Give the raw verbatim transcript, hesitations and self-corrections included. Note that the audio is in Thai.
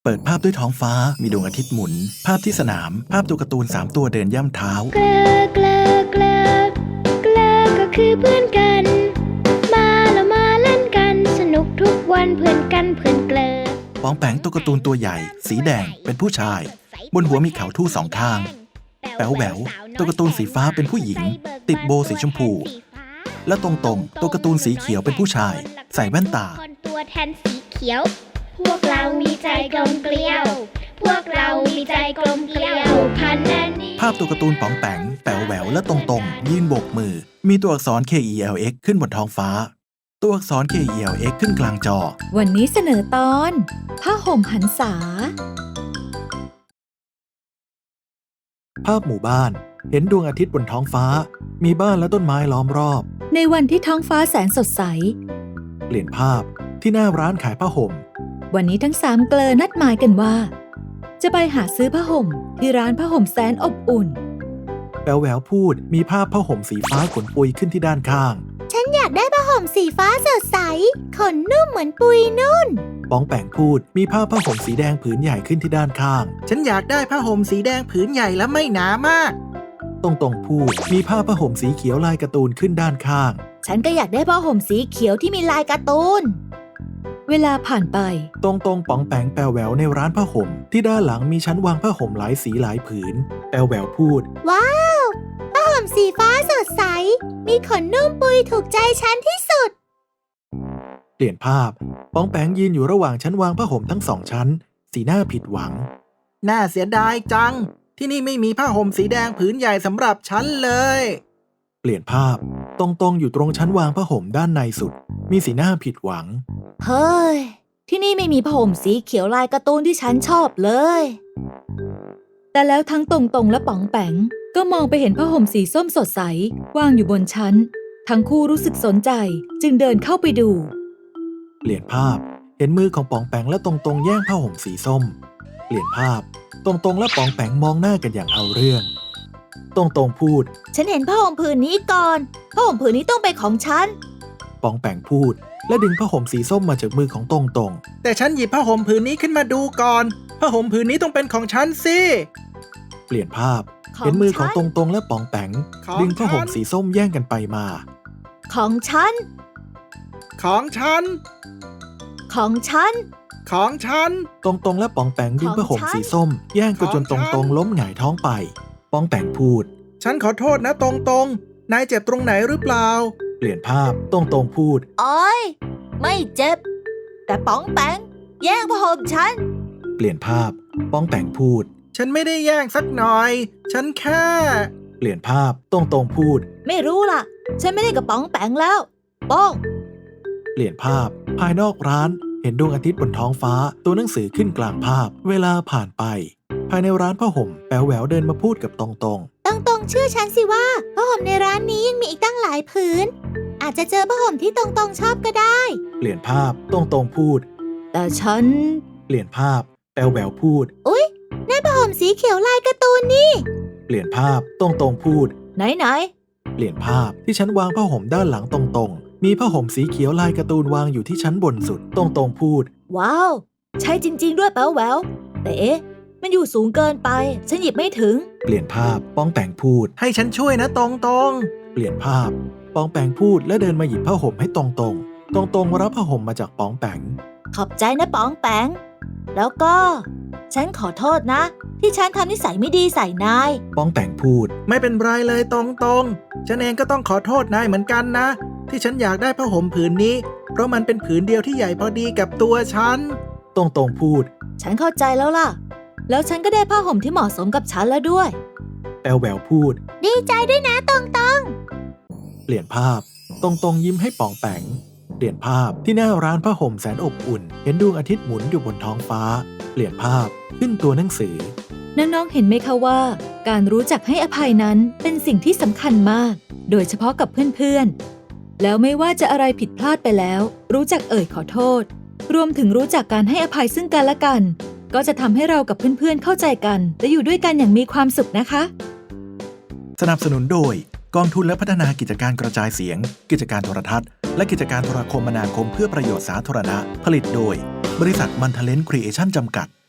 เปิดภาพด้วยท้องฟ้ามีดวงอาทิตย์หมุนภาพที่สนามภาพตัวการ์ตูนสามตัวเดินย่ำเท้าเกลอเกลอเกลอเกลอก็คือเพื่อนกันมาแล้วมาเล่นกันสนุกทุกวันเพื่อนกันเพื่อนเกลอปองแปงตัวการ์ตูนตัวใหญ่สีแดงเป็นผู้ชายบนหัวมีเขาทู่สองข้างแป๋วแหววตัวการ์ตูนสีฟ้าเป็นผู้หญิงติดโบว์สีชมพูและตรงตรงตัวการ์ตูนสีเขียวเป็นผู้ชายใส่แว่นตาตัวแทนสีเขียวพวกเรามีใจกลมเกลียวพวกเรามีใจกลมเกลียวพันนันนี้ภาพตัวการ์ตูนป๋องแปงแป๋วแหววและตรงตรงยืนโบกมือมีตัวอักษร เค อี แอล เอ็กซ์ ขึ้นบนท้องฟ้าตัวอักษร เค อี แอล เอ็กซ์ ขึ้นกลางจอวันนี้เสนอตอนผ้าห่มหันษาภาพหมู่บ้านเห็นดวงอาทิตย์บนท้องฟ้ามีบ้านและต้นไม้ล้อมรอบในวันที่ท้องฟ้าแสนสดใสเปลี่ยนภาพที่หน้าร้านขายผ้าห่มวันนี้ทั้งสามเกลอนัดหมายกันว่าจะไปหาซื้อผ้าห่มที่ร้านผ้าห่มแสนอบอุ่นแป๋วแหววพูดมีภาพผ้าห่มสีฟ้าขนปุยขึ้นที่ด้านข้างฉันอยากได้ผ้าห่มสีฟ้าสดใสขนนุ่มเหมือนปุยนุ่นป๋องแปงพูดมีภาพผ้าห่มสีแดงผืนใหญ่ขึ้นที่ด้านข้างฉันอยากได้ผ้าห่มสีแดงผืนใหญ่และไม่หนามากตรงตรงพูดมีภาพผ้าห่มสีเขียวลายการ์ตูนขึ้นด้านข้างฉันก็อยากได้ผ้าห่มสีเขียวที่มีลายการ์ตูนเวลาผ่านไปตรงตรงป๋องแปงแปวแหววในร้านผ้าห่มที่ด้านหลังมีชั้นวางผ้าห่มหลายสีหลายผืนแปวแหววพูดว้าวผ้าห่มสีฟ้าสดใสมีขนนุ่มปุยถูกใจฉันที่สุดเปลี่ยนภาพป๋องแปงยืนอยู่ระหว่างชั้นวางผ้าห่มทั้งสองชั้นสีหน้าผิดหวังน่าเสียดายจังที่นี่ไม่มีผ้าห่มสีแดงผืนใหญ่สำหรับฉันเลยเปลี่ยนภาพตรงๆอยู่ตรงชั้นวางผ้าห่มด้านในสุดมีสีหน้าผิดหวังเฮ้ยที่นี่ไม่มีผ้าห่มสีเขียวลายการ์ตูนที่ฉันชอบเลยแต่แล้วทั้งตรงๆและป๋องแปงก็มองไปเห็นผ้าห่มสีส้มสดใสวางอยู่บนชั้นทั้งคู่รู้สึกสนใจจึงเดินเข้าไปดูเปลี่ยนภาพเห็นมือของป๋องแปงและตรงๆแย่งผ้าห่มสีส้มเปลี่ยนภาพตรงๆและป๋องแปงมองหน้ากันอย่างเอาเรื่องตรงๆพูดฉันเห็นผ้าห่มผืนนี้ก่อนผ้าห่มผืนนี้ต้องเป็นของฉันป๋องแปงพูดและดึงผ้าห่มสีส้มมาจากมือของตรงๆแต่ฉันหยิบผ้าห่มผืนนี้ขึ้นมาดูก่อนผ้าห่มผืนนี้ต้องเป็นของฉันสิเปลี่ยนภาพเห็นมือของตรงๆและป๋องแปงดึงผ้าห่มสีส้มแย่งกันไปมาของฉันของฉันของฉันของฉันตรงๆและป๋องแปงดึงผ้าห่มสีส้มแย่งกันจนตรงๆล้มหงายท้องไปป๋องแปงพูดฉันขอโทษนะตรงๆนายเจ็บตรงไหนหรือเปล่าเปลี่ยนภาพตรงๆพูดโอ๊ยไม่เจ็บแต่ป๋องแปงแย่งผ้าห่มฉันเปลี่ยนภาพป๋องแปงพูดฉันไม่ได้แย่งสักหน่อยฉันแค่เปลี่ยนภาพตรงๆพูดไม่รู้ล่ะฉันไม่ได้กับป๋องแปงแล้วป้องเปลี่ยนภาพภายนอกร้านเห็นดวงอาทิตย์บนท้องฟ้าตัวหนังสือขึ้นกลางภาพเวลาผ่านไปภายในร้านผ้าห่มแป๋วแหววเดินมาพูดกับตรงๆตรงๆเชื่อฉันสิว่าผ้าห่มในร้านนี้ยังมีอีกตั้งหลายผืนอาจจะเจอผ้าห่มที่ตรงๆชอบก็ได้เปลี่ยนภาพตรงๆพูดแต่ฉันเปลี่ยนภาพแป๋วแหววพูดอุ๊ยนั่นผ้าห่มสีเขียวลายการ์ตูนนี่เปลี่ยนภาพตรงๆพูดไหนๆเปลี่ยนภาพที่ชั้นวางผ้าห่มด้านหลังตรงๆมีผ้าห่มสีเขียวลายการ์ตูนวางอยู่ที่ชั้นบนสุดตรงๆพูดว้าวใช่จริงๆด้วยแป๋วแหววแต่เอ๊ะมันอยู่สูงเกินไปฉันหยิบไม่ถึงเปลี่ยนภาพป้องแปงพูดให้ฉันช่วยนะตรงๆเปลี่ยนภาพป้องแปงพูดและเดินมาหยิบผ้าห่มให้ตรงๆตรงๆรับผ้าห่มมาจากป้องแปงขอบใจนะป้องแปงแล้วก็ฉันขอโทษนะที่ฉันทำนิสัยไม่ดีใส่นายป้องแปงพูดไม่เป็นไรเลยตรงๆฉันเองก็ต้องขอโทษนายเหมือนกันนะที่ฉันอยากได้ผ้าห่มผืนนี้เพราะมันเป็นผืนเดียวที่ใหญ่พอดีกับตัวฉันตรงๆพูดฉันเข้าใจแล้วล่ะแล้วฉันก็ได้ผ้าห่มที่เหมาะสมกับฉันแล้วด้วยแปวแหววพูดดีใจด้วยนะตรงๆเปลี่ยนภาพตรงๆยิ้มให้ป๋องแปงเปลี่ยนภาพที่หน้าร้านผ้าห่มแสนอบอุ่นเห็นดวงอาทิตย์หมุนอยู่บนท้องฟ้าเปลี่ยนภาพขึ้นตัวหนังสือน้องๆเห็นไหมคะว่าการรู้จักให้อภัยนั้นเป็นสิ่งที่สำคัญมากโดยเฉพาะกับเพื่อนๆแล้วไม่ว่าจะอะไรผิดพลาดไปแล้วรู้จักเอ่ยขอโทษรวมถึงรู้จักการให้อภัยซึ่งกันและกันก็จะทำให้เรากับเพื่อนๆเข้าใจกันและอยู่ด้วยกันอย่างมีความสุขนะคะสนับสนุนโดยกองทุนและพัฒนากิจการกระจายเสียงกิจการโทรทัศน์และกิจการโทรคมนาคมเพื่อประโยชน์สาธารณะผลิตโดยบริษัทมันทะเลนครีเอชั่นจำกัด